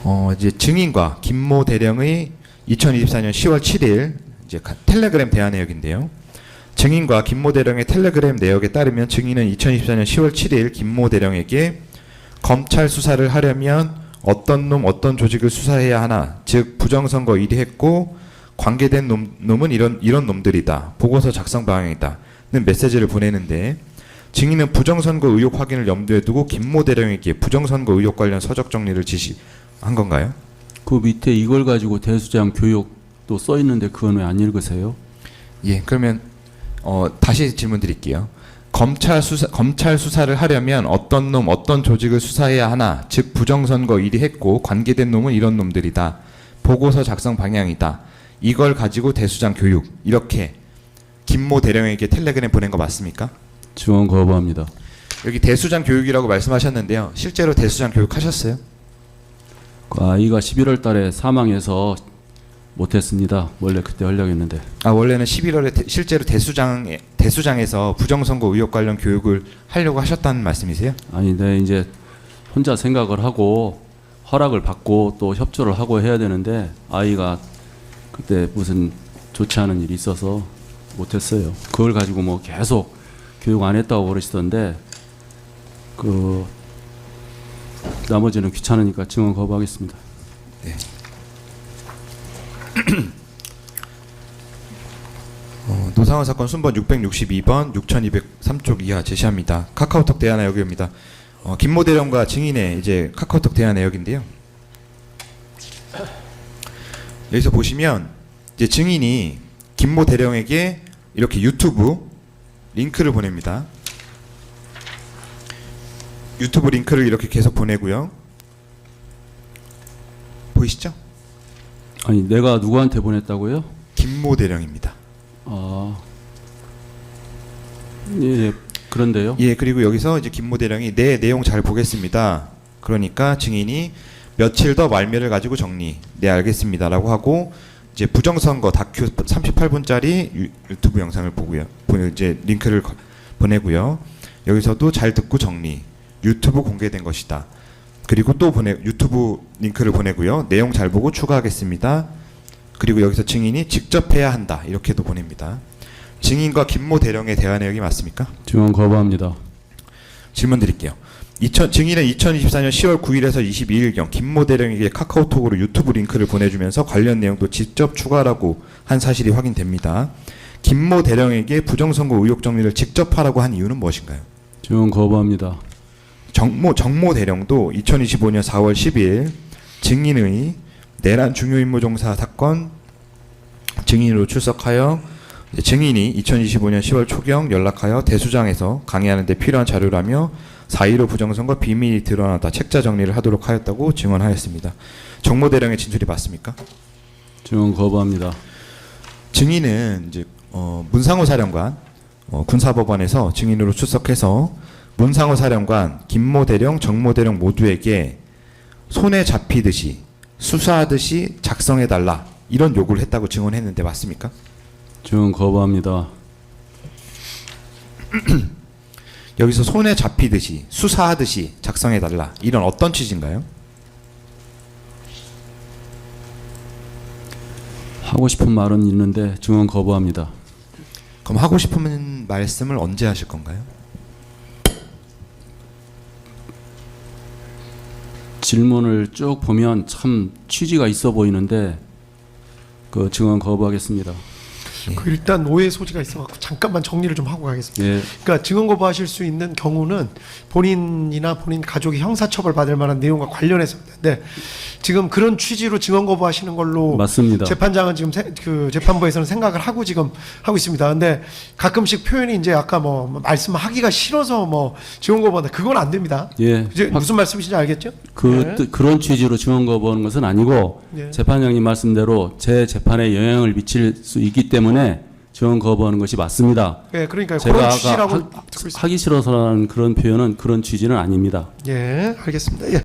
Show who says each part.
Speaker 1: 이제 증인과 김모 대령의 2024년 10월 7일 이제 텔레그램 대화 내역인데요. 증인과 김모 대령의 텔레그램 내역에 따르면 증인은 2024년 10월 7일 김모 대령에게 검찰 수사를 하려면 어떤 놈 어떤 조직을 수사해야 하나, 즉 부정선거 1위 했고 관계된 놈은 이런 놈들이다. 보고서 작성 방향이다. 는 메시지를 보내는데, 증인은 부정선거 의혹 확인을 염두에 두고 김모 대령에게 부정선거 의혹 관련 서적 정리를 지시한 건가요?
Speaker 2: 그 밑에 이걸 가지고 대수장 교육도 써 있는데 그건 왜 안 읽으세요?
Speaker 1: 예, 그러면 다시 질문 드릴게요. 검찰 수사를 하려면 어떤 놈 어떤 조직을 수사해야 하나, 즉 부정선거 1위 했고 관계된 놈은 이런 놈들이다. 보고서 작성 방향이다. 이걸 가지고 대수장 교육, 이렇게 김모 대령에게 텔레그램 보낸 거 맞습니까?
Speaker 2: 증언 거부합니다.
Speaker 1: 여기 대수장 교육이라고 말씀하셨는데요. 실제로 대수장 교육 하셨어요?
Speaker 2: 그 아이가 11월 달에 사망해서 못했습니다. 원래 그때 하려고 했는데.
Speaker 1: 원래는 11월에 실제로 대수장에서 부정선거 의혹 관련 교육을 하려고 하셨다는 말씀이세요?
Speaker 2: 아니, 네, 이제 혼자 생각을 하고 허락을 받고 또 협조를 하고 해야 되는데 아이가 그때 무슨 좋지 않은 일이 있어서 못했어요. 그걸 가지고 뭐 계속 교육 안 했다고 그러시던데, 그 나머지는 귀찮으니까 증언 거부하겠습니다.
Speaker 1: 네. 노상원 사건 순번 662번 6203쪽 이하 제시합니다. 카카오톡 대화 내역입니다. 김모 대령과 증인의 이제 카카오톡 대화 내역인데요. 여기서 보시면 이제 증인이 김모 대령에게 이렇게 유튜브 링크를 보냅니다. 유튜브 링크를 이렇게 계속 보내고요. 보이시죠?
Speaker 2: 아니, 내가 누구한테 보냈다고요?
Speaker 1: 김모 대령입니다.
Speaker 2: 예, 그런데요.
Speaker 1: 예, 그리고 여기서 이제 김모 대령이 네, 내용 잘 보겠습니다. 그러니까 증인이 며칠 더 말미를 가지고 정리. 네, 알겠습니다라고 하고 이제 부정선거 다큐 38분짜리 유튜브 영상을 보고요. 이제 링크를 보내고요. 여기서도 잘 듣고 정리. 유튜브 공개된 것이다. 그리고 또 유튜브 링크를 보내고요. 내용 잘 보고 추가하겠습니다. 그리고 여기서 증인이 직접 해야 한다. 이렇게도 보냅니다. 증인과 김모 대령의 대화 내역이 맞습니까?
Speaker 2: 증언 거부합니다.
Speaker 1: 질문 드릴게요. 증인은 2024년 10월 9일에서 22일경 김모 대령에게 카카오톡으로 유튜브 링크를 보내주면서 관련 내용도 직접 추가라고 한 사실이 확인됩니다. 김모 대령에게 부정선거 의혹 정리를 직접 하라고 한 이유는 무엇인가요?
Speaker 2: 증언 거부합니다.
Speaker 1: 정모 대령도 2025년 4월 10일 증인의 내란 중요임무종사 사건 증인으로 출석하여 증인이 2025년 10월 초경 연락하여 대수장에서 강의하는 데 필요한 자료라며 4.15 부정선거 비밀이 드러나다 책자 정리를 하도록 하였다고 증언하였습니다. 정모 대령의 진술이 맞습니까?
Speaker 2: 증언 거부합니다.
Speaker 1: 증인은 이제 문상호 사령관 군사법원에서 증인으로 출석해서 문상호 사령관, 김모 대령, 정모 대령 모두에게 손에 잡히듯이 수사하듯이 작성해달라 이런 요구를 했다고 증언했는데 맞습니까?
Speaker 2: 증언 거부합니다.
Speaker 1: 여기서 손에 잡히듯이 수사하듯이 작성해달라 이런 어떤 취지인가요?
Speaker 2: 하고 싶은 말은 있는데 증언 거부합니다.
Speaker 1: 그럼 하고 싶은 말씀을 언제 하실 건가요?
Speaker 2: 질문을 쭉 보면 참 취지가 있어 보이는데 그 증언 거부하겠습니다.
Speaker 3: 그 일단 오해 소지가 있어갖고 잠깐만 정리를 좀 하고 가겠습니다.
Speaker 2: 예.
Speaker 3: 그러니까 증언 거부하실 수 있는 경우는 본인이나 본인 가족이 형사처벌 받을 만한 내용과 관련해서입니다. 네, 지금 그런 취지로 증언 거부하시는 걸로
Speaker 2: 맞습니다.
Speaker 3: 재판장은 지금 그 재판부에서는 생각을 하고 지금 하고 있습니다. 근데 가끔씩 표현이 이제 아까 뭐 말씀하기가 싫어서 뭐 증언 거부한다, 그건 안 됩니다.
Speaker 2: 예.
Speaker 3: 이제 무슨 말씀이신지 알겠죠?
Speaker 2: 그런 취지로 증언 거부하는 것은 아니고
Speaker 3: 예.
Speaker 2: 재판장님 말씀대로 제 재판에 영향을 미칠 수 있기 때문에 증언 거부하는 것이 맞습니다.
Speaker 3: 예, 그러니까
Speaker 2: 제가
Speaker 3: 그런
Speaker 2: 아까
Speaker 3: 취지라고 듣고 있습니다.
Speaker 2: 하기 싫어서라는 그런 표현은 그런 취지는 아닙니다.
Speaker 3: 예, 알겠습니다. 예.